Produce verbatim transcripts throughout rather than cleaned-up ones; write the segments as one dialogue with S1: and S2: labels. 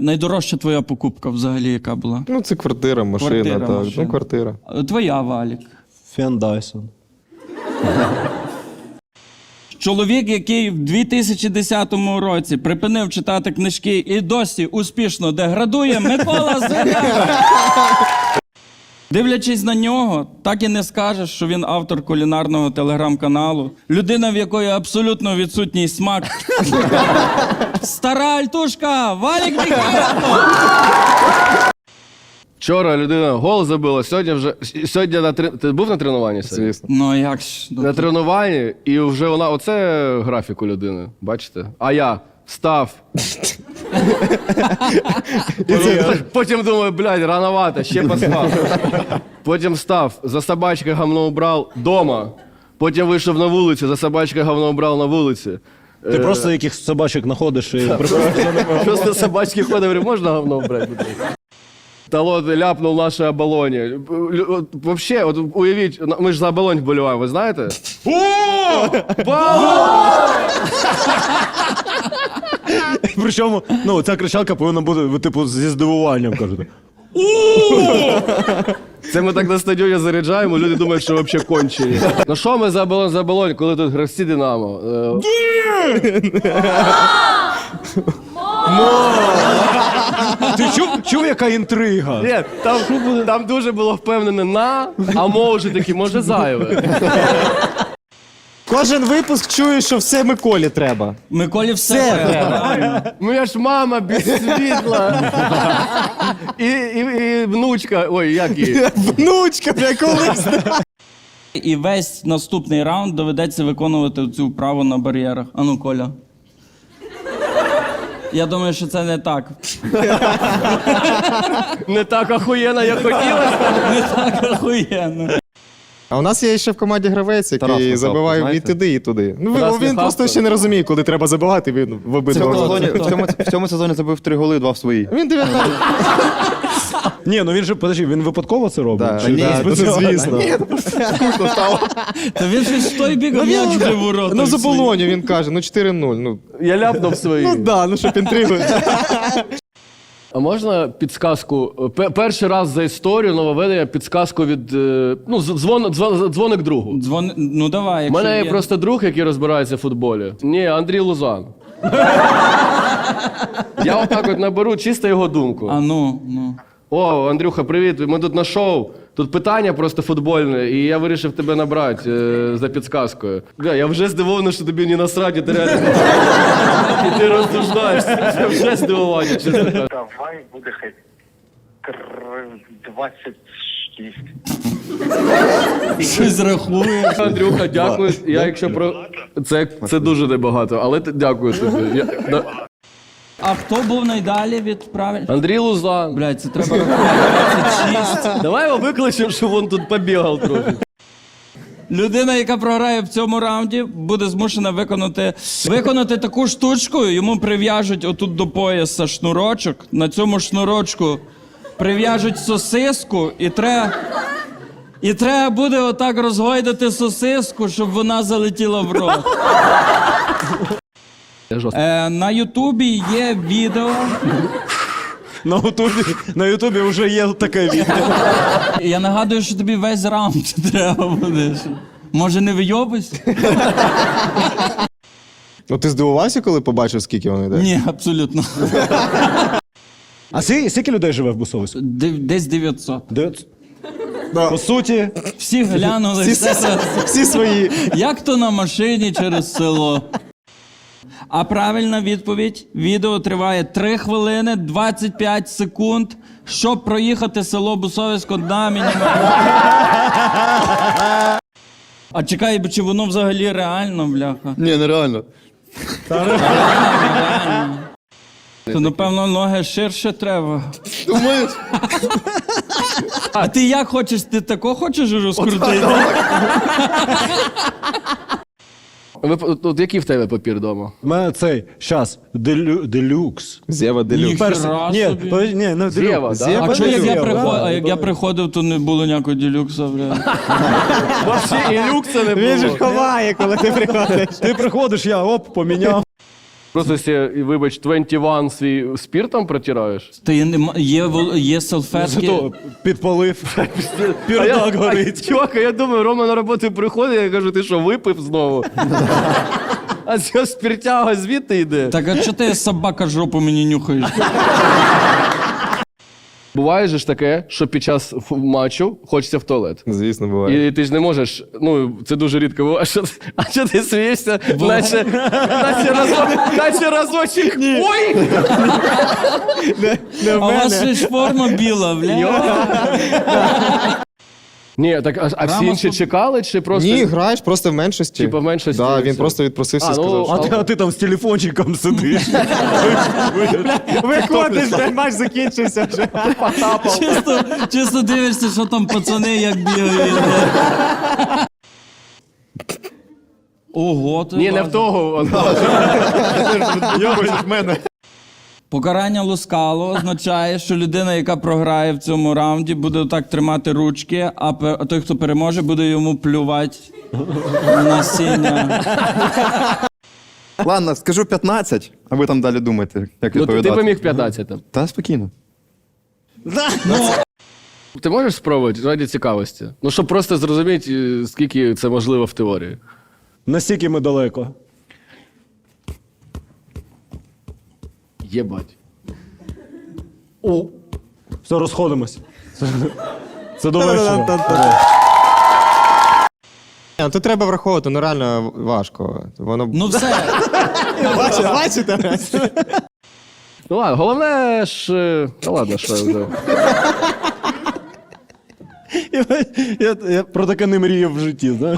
S1: найдорожча твоя покупка взагалі яка була?
S2: Ну, це квартира, машина,
S1: Квартира,
S2: так.
S1: машина.
S2: Ну, квартира.
S1: Твоя, Валік.
S3: Фен Дайсон.
S1: Чоловік, який в дві тисячі десятому році припинив читати книжки і досі успішно деградує, Микола Зига. Дивлячись на нього, так і не скажеш, що він автор кулінарного телеграм-каналу. Людина, в якої абсолютно відсутній смак. Стара альтушка, Валік Міхайло!
S4: Вчора людина гол забила, сьогодні вже... Сьогодні на трен... Ти був на тренуванні сьогодні?
S2: Звісно.
S1: Ну а як ж?
S4: На тренуванні, і вже вона... Оце графік у людини, бачите? А я встав. Потім думаю, блядь, рановато, ще поспав. Потім встав, за собачкою говно убрав дома. Потім вийшов на вулицю, за собачкою говно убрав на вулиці.
S3: Ти просто якихось собачок знаходиш і...
S4: Просто собачки ходить, говорю, можна говно убрати? Талон ляпнув нашій оболоні. Вообще, от уявіть, ми ж за оболонь вболіваємо, ви знаєте? О!
S3: Причому, ну, ця кричалка повинна бути, типу, зі здивуванням, кажуть.
S4: Це ми так на стадіоні заряджаємо, люди думають, що взагалі кончені. Ну що ми за оболонь, за оболонь, коли тут гравці Динамо?
S3: Ти чув, чув, яка інтрига?
S4: Ні, там, там дуже було впевнене на, а може таки, може зайве.
S5: Кожен випуск чує, що все Миколі треба.
S1: Миколі все треба.
S4: Моя ж мама без світла. І, і, і внучка, ой, як її?
S5: Внучка, бля, колись.
S1: І весь наступний раунд доведеться виконувати цю вправу на бар'єрах. Ану, Коля. Я думаю, що це не так.
S4: Не так охуєнно, як хотілося.
S1: Не так охуєнно.
S2: А у нас є ще в команді гравець, який
S5: Тарас Михайло,
S2: забиває і
S5: знаєте?
S2: туди, і туди. Ну,
S4: Тарас
S2: він
S4: Михайло.
S2: просто ще не розуміє, коли треба забивати, він в
S5: В
S2: обидва
S5: цьому,
S2: роки.
S5: сезоні, в, цьому, в цьому сезоні забив три голи, два в свої.
S2: Він дев'ятнадцять.
S3: Ні, ну він же, подожди, він випадково це робить?
S2: Да,
S3: Чи-
S2: ні,
S3: Чи-
S2: це звісно.
S1: Та він щось в той бік, а м'яч вже в воротах.
S2: Ну, за
S1: свої.
S2: Болоню він каже, ну чотири нуль. Ну,
S4: Я ляпнув свої.
S2: ну да, ну щоб інтригу.
S4: А можна підсказку? Пе- Перший раз за історію нововведення підсказку від... е, Ну, з- дзвон, дзвон, дзвоник другу.
S1: Дзвон... Ну давай,
S4: У
S1: якщо
S4: мене є
S1: є.
S4: просто друг, який розбирається в футболі. Ні, Андрій Лузан. Я отак от наберу чисто його думку.
S1: А ну, ну.
S4: О, Андрюха, привіт, ми тут на шоу. Тут питання просто футбольне, і я вирішив тебе набрати е, за підсказкою. Бля, я вже здивований, що тобі не насрать, і ти реально... І ти розсуждаєшся. Це вже здивування, чесно кажучи.
S6: Давай буде хай двадцять шість.
S1: Щось рахує.
S4: Андрюха, дякую. Я якщо про... Це, це дуже небагато, але ти- дякую тобі. Я... да-
S1: А хто був найдалі від правильно?
S4: Андрій Лузан.
S1: Блядь, це треба рахувати. двадцять шість.
S4: Давай його викличемо, щоб він тут побігав трохи.
S1: Людина, яка програє в цьому раунді, буде змушена виконати, виконати таку штучку. Йому прив'яжуть отут до пояса шнурочок. На цьому шнурочку прив'яжуть сосиску і треба... І треба буде отак розгойдати сосиску, щоб вона залетіла в рот. Е, на Ютубі є відео.
S3: На Ютубі, на Ютубі вже є таке відео.
S1: Я нагадую, що тобі весь раунд треба буде. Може, не вийобуйся?
S2: Ну ти здивувався, коли побачив, скільки вони йде?
S1: Ні, абсолютно.
S3: А скільки, скільки людей живе в Бусовську?
S1: Дев- Десь дев'ятсот.
S3: Дев'ятсот.
S2: Да.
S3: По суті,
S1: Всі глянули.
S2: Всі,
S1: все це.
S2: всі свої.
S1: Як то на машині через село. А правильна відповідь. Відео триває три хвилини двадцять п'ять секунд, щоб проїхати село Бусовсько на мінімум. А чекай, чи воно взагалі реально, бляха?
S2: Ні, нереально.
S1: Реально. То, напевно, ноги ширше треба.
S2: Думаєш?
S1: А ти як хочеш? Ти тако хочеш розкрутити?
S4: Ви, от, от який в тебе папір вдома?
S3: в мене цей, щас, делю, делюкс.
S2: Зєва делюкс.
S1: Ніхера
S3: Перс- Ні,
S1: собі.
S3: подожди, ні, ну,
S4: Зєва,
S3: делюкс.
S4: да?
S3: Зєва,
S1: А чого, як я
S3: Зєва,
S1: приходив,
S3: да,
S1: а як я
S3: да.
S1: приходив, то не було ніякого ділюкса, бля.
S4: Вообще і люкса не
S5: Він же ж
S4: було.
S5: ховає, коли ти приходиш.
S3: Ти приходиш, я оп, поміняв.
S4: Просто сі, вибач, двадцять один свій спіртом протираєш?
S1: Та є, нема- є, вол- є салфетки.
S3: Зато підпалив.
S4: А
S3: Пірдак
S4: я,
S3: горить.
S4: а, чувак, а я думаю, Рома на роботу приходить, я кажу, ти що, випив знову? А ця спиртяга звідти йде.
S1: Так а чого ти собака жопу мені нюхаєш?
S4: Буває же ж таке, що під час ф- матчу хочеться в туалет.
S2: Звісно, буває.
S4: І ти ж не можеш, ну, це дуже рідко буває. Що, ти- а що ти смієшся? Наче, наче, разок, наче разочок. Ой!
S1: А у вас ще ж форма біла, бля.
S4: Ні, так, а, а всі
S1: Рама
S4: інші
S1: суп-
S4: чекали, чи просто...
S2: Ні, граєш просто в меншості.
S4: Типа в меншості,
S2: Да,
S4: і
S2: він
S4: все.
S2: просто відпросився і
S4: А, ну,
S2: сказав,
S3: А
S2: що...
S3: ти, а ти там з телефончиком сидиш.
S5: Виходиш, блядь, матч закінчився вже.
S1: Чисто, чисто дивишся, що там пацани як бігають. бля. Ого, ти
S4: Ні, не
S1: бачиш.
S4: в того.
S5: Йобиш в мене.
S1: Покарання лускало означає, що людина, яка програє в цьому раунді, буде так тримати ручки, а пе- а той, хто переможе, буде йому плювати на сіння.
S5: Ладно, скажу п'ятнадцять, а ви там далі думаєте, як
S4: Ну,
S5: відповідати.
S4: ти би міг п'ятнадцять там.
S5: Та спокійно.
S4: Ти можеш спробувати раді цікавості? Ну, щоб просто зрозуміти, е, скільки це можливо в теорії.
S3: Настільки ми далеко.
S4: Єбать.
S3: О, все, розходимось. Це, це до вечора.
S2: Ні, ну, тут треба враховувати, ну реально важко. Воно...
S1: Ну все,
S2: Бачите, бачите?
S4: Ну ладно, головне ж. е, Та ладно, що я вже.
S3: Я, я, я про таке не мріяв в житті, знаєш.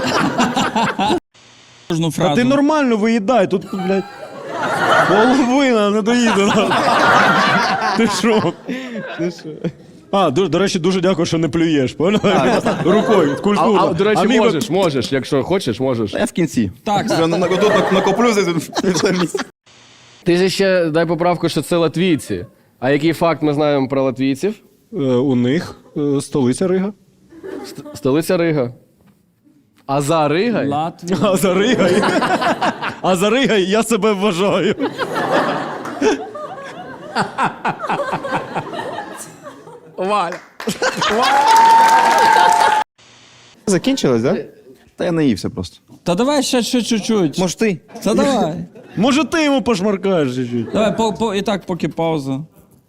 S1: кожну
S3: А
S1: фразу.
S3: ти нормально виїдай, тут, блядь, половина не доїде. Ти що? А, до, до речі, дуже дякую, що не плюєш, понял? Рукою,
S4: А,
S3: культурно.
S4: а, до речі,
S3: міг би-
S4: можеш, можеш, якщо хочеш, можеш.
S5: Я в кінці.
S1: Так,
S5: Я на- на- Тут накоплю за місяць.
S4: Ти ж ще дай поправку, що це латвійці. А який факт ми знаємо про латвійців?
S3: Е, У них е, столиця Рига.
S4: Столиця Рига. А за Ригай?
S1: Латвія.
S3: А за Ригай. А за Ригай я себе вважаю.
S4: Валя.
S2: Закінчилось, так? Да?
S5: Та я наївся просто.
S1: Та давай ще, ще чуть-чуть.
S5: Може ти?
S1: Та давай.
S3: Може, ти йому пошмаркаєш чуть-чуть.
S1: Давай, по, по, і так, поки пауза.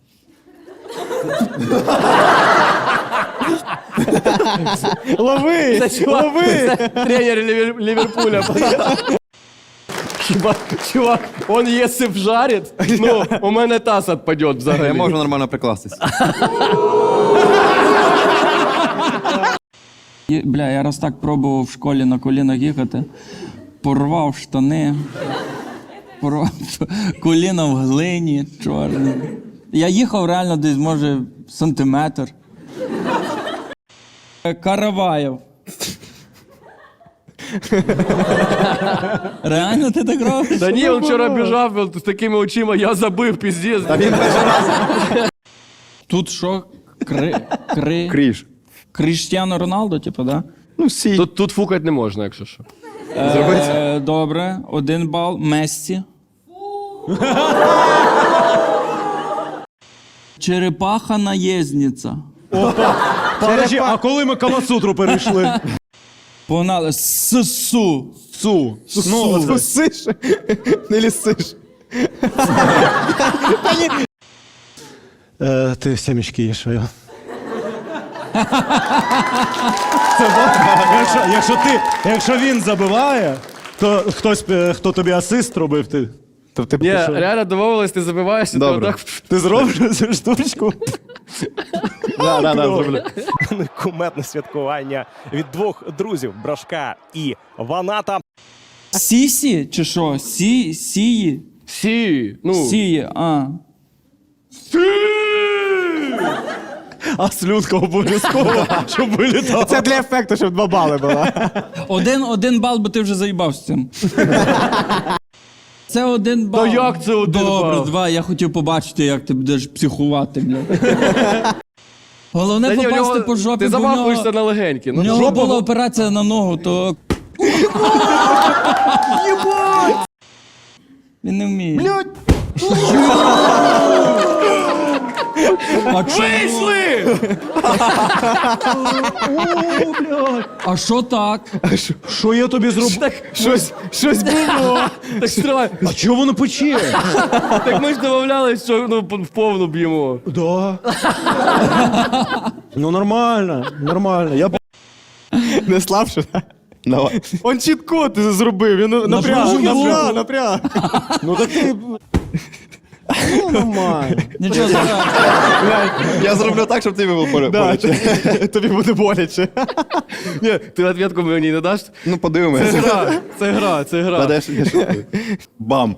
S3: Лови!
S4: Це чувак, це тренер Лівер- Ліверпуля. Хіба, чувак, он якщо вжарить, ну, у мене таз відпаде взагалі.
S5: Я можу нормально прикластись.
S1: І, бля, я раз так пробував в школі на колінах їхати. Порвав штани. Порвав коліна в глині, чорне. Я їхав реально десь, може, сантиметр. Караваєв. Реально ти так робиш?
S4: Та ні, він вчора біжав він з такими очима, я забив, піздець.
S1: Тут що? Кри... Кри...
S5: Кріж.
S1: Кріштіано Роналдо, типу, да?
S5: Ну, всі.
S4: Тут, тут фукать не можна, якщо що.
S1: Е, добре, один бал. Мессі. Черепаха наєзниця.
S3: Подожди, а коли ми Камасутру перейшли?
S1: Погнали. Сусу.
S3: Су. Ну, оце.
S2: Сиш, не лісиш.
S3: Е, ти сімечки їш, а я. Це бо- якщо, якщо, ти, якщо він забиває, то хтось, е, хто тобі асист робив, ти,
S2: Тобто,
S4: Ні, реально домовились, ти забиваєшся, ти
S5: Добре.
S4: отак.
S3: ти зробиш цю штучку?
S5: Да, да, да, зроблю.
S7: Кумедне святкування від двох друзів Брашка і Ваната.
S1: Сісі чи що? Сі, сії?
S4: Сі, ну,
S1: Сії, а.
S3: А слюдка обов'язково, щоб вилітала.
S2: це для ефекту, щоб два бали було.
S1: Один, один бал, бо ти вже заїбав з цим. Це один бал.
S4: Та як це один
S1: Добре,
S4: бал?
S1: два. Я хотів побачити, як ти будеш психувати, бля. Головне
S4: Та ні, у
S1: попасти
S4: нього-
S1: по жопі,
S4: ти
S1: бо в нього,
S4: замахуєшся на легенькі.
S1: в
S4: Ну,
S1: нього
S4: жопа
S1: була операція на ногу, то... Він не вміє. Блядь! А Вийшли! А що так?
S3: Що я тобі зробив?
S4: Щось, щось було. Так стривай.
S3: А чого воно пече?
S4: Так ми ж домовлялись, що ну, в повну б'ємо.
S3: Да. Ну нормально, нормально. Я
S2: Не слабше, так?
S5: Давай.
S2: Он чіт-код зробив, він напряг,
S1: Напружу
S2: напряг,
S1: руку.
S2: напряг.
S3: ну так ти. Ну нормально.
S1: Нічого страшного.
S5: Я зроблю так, щоб тобі було
S2: Да,
S5: боляче.
S2: тобі буде боляче.
S4: Ні, ти відповідку мені не даш?
S5: Ну,
S4: Це
S5: подивимося.
S4: гра, це гра, це гра.
S5: Та де ж- я ж- Бам.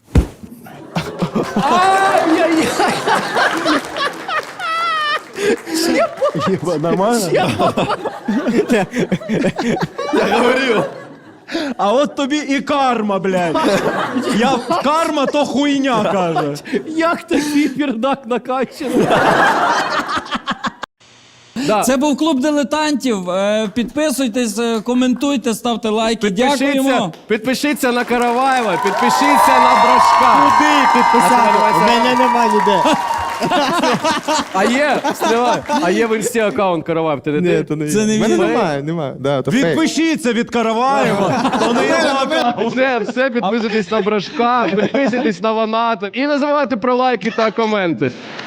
S3: Єба, нормально?
S5: Я говорив.
S3: А от тобі і карма, блядь. Я карма то хуйня каже.
S4: Як такий пердак накачаний? Да.
S1: Це був клуб дилетантів. Е, Підписуйтесь, е, коментуйте, ставте лайки.
S4: Підпишіться,
S1: Дякуємо.
S4: підпишіться на Караваєва, підпишіться на Брашка.
S2: Куди підписати?
S4: А
S2: У мене нема ніде.
S4: А є, стривай, а є в інсті аккаунт Караваєв, ти не
S2: Ні,
S4: ти?
S2: то не
S1: Це
S2: є.
S1: не
S2: У мене
S1: він.
S2: немає, немає. Да, то фейк.
S3: Відпишіться від Караваєва. То не його.
S4: Все, все, підписуйтесь на Брашка, підписуйтесь на Ваната і не забувайте про лайки та коменти.